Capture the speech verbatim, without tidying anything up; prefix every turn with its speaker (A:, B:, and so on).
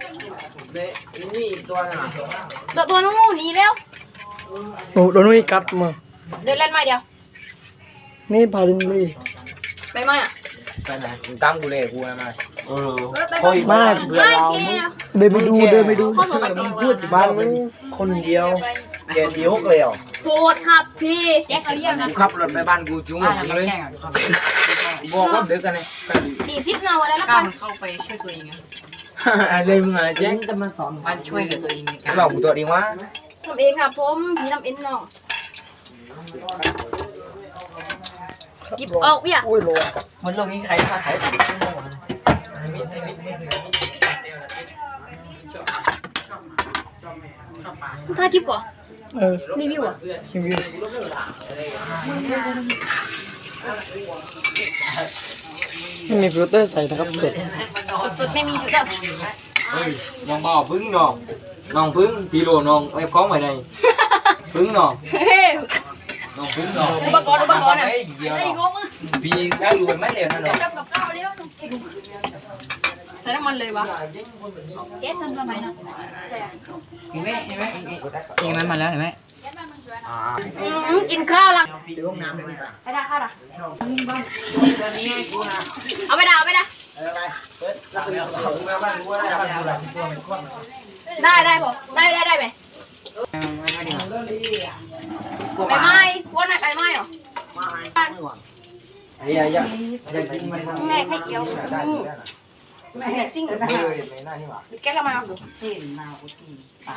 A: นี่ตัวน่ะ
B: ตัวตัวนู้นหนีแล้ว
C: โอ้โดนนี่กัดมา
B: เดินเล่นไม่เดียว
C: นี่พาลิงเลย
B: ไปไหมอ่ะ
A: ไปไหนมึงตั้งกูเลยกูมาเออ
C: โอ้ยมาก
B: ไม่เค
C: เดินไปดูเดินไปดู
B: ข้อสอบไป
A: มึงพูดบ้านมึงคนเดียวแกเดียวเลยอ่ะ
B: โทษครับพี่แจ็คเขาเรียกนะ
A: กูขับรถไปบ้านกูจุ้งเลยบอกว่าเด็กกันเลย
B: ดีซิปเงาอะไรแล้ว
D: กล้า
B: กัน
D: มันเข้าไปช่วยตัวเองไง
A: อะไรมึงอะไรแจ้งจะมาสอน
D: มันช่วยเหลือตัวเองในการ
A: บอกกูตัวเองว่า
B: ทำเองครับผมผีทำเอ็นเนาะหยิบออกพี่อ่ะ
C: โอ้ยโล
D: มันโลกนี้ใครฆ่าใครสิ
B: ถ้าคลิปก่อน
C: เออ
B: รีวิวอ่ะ
C: รีวิวไม่มีฟิลเตอร์ใส่นะครับสด
B: สุดๆไม่มีฟิลเตอร์
A: น้องบ่าวพึ่งน้องน้องพึ่งกิโลน้องไอ้ของไว้ในพึ่งน้อง
B: เฮ้ย
A: น้องพึ่งน้อง
B: อุปกรณ์อุปกรณ์อ่ะ
A: ไอ้เดียว
B: ไอ้งงอ่ะ
A: พี่ได้รวยไม่เร็วนะน้อง
B: ทำกับข้าวเร็วใส่น้ำมันเลยวะแก๊สทำทำไมนะใช่อ่ะ
D: เห็นไหมเห็นไหมเองมันมาแล้วเห็นไหม
B: อืมกินข้าวละ
A: ที่ห้องน้ำเลยไหม
B: ไปด่าข้าวด่าเอาไปด่าเอาไปด่า
A: อะไรเปิดรับเลยเขามาบ้านกูได้บ้านกูได้ตัวมันคว่ำ
B: ได้ได้ผมได้ได้ได้ไหมไปไหม้กวนไหนไปไหม้เหรอ
A: ไอ้ยาอย่าอย่ากินมัน
B: แม่ไข่เจียวแม่ซิ่ง
A: ไม่เลยไม่น่านี่หว่า
B: แก๊สละมาเอา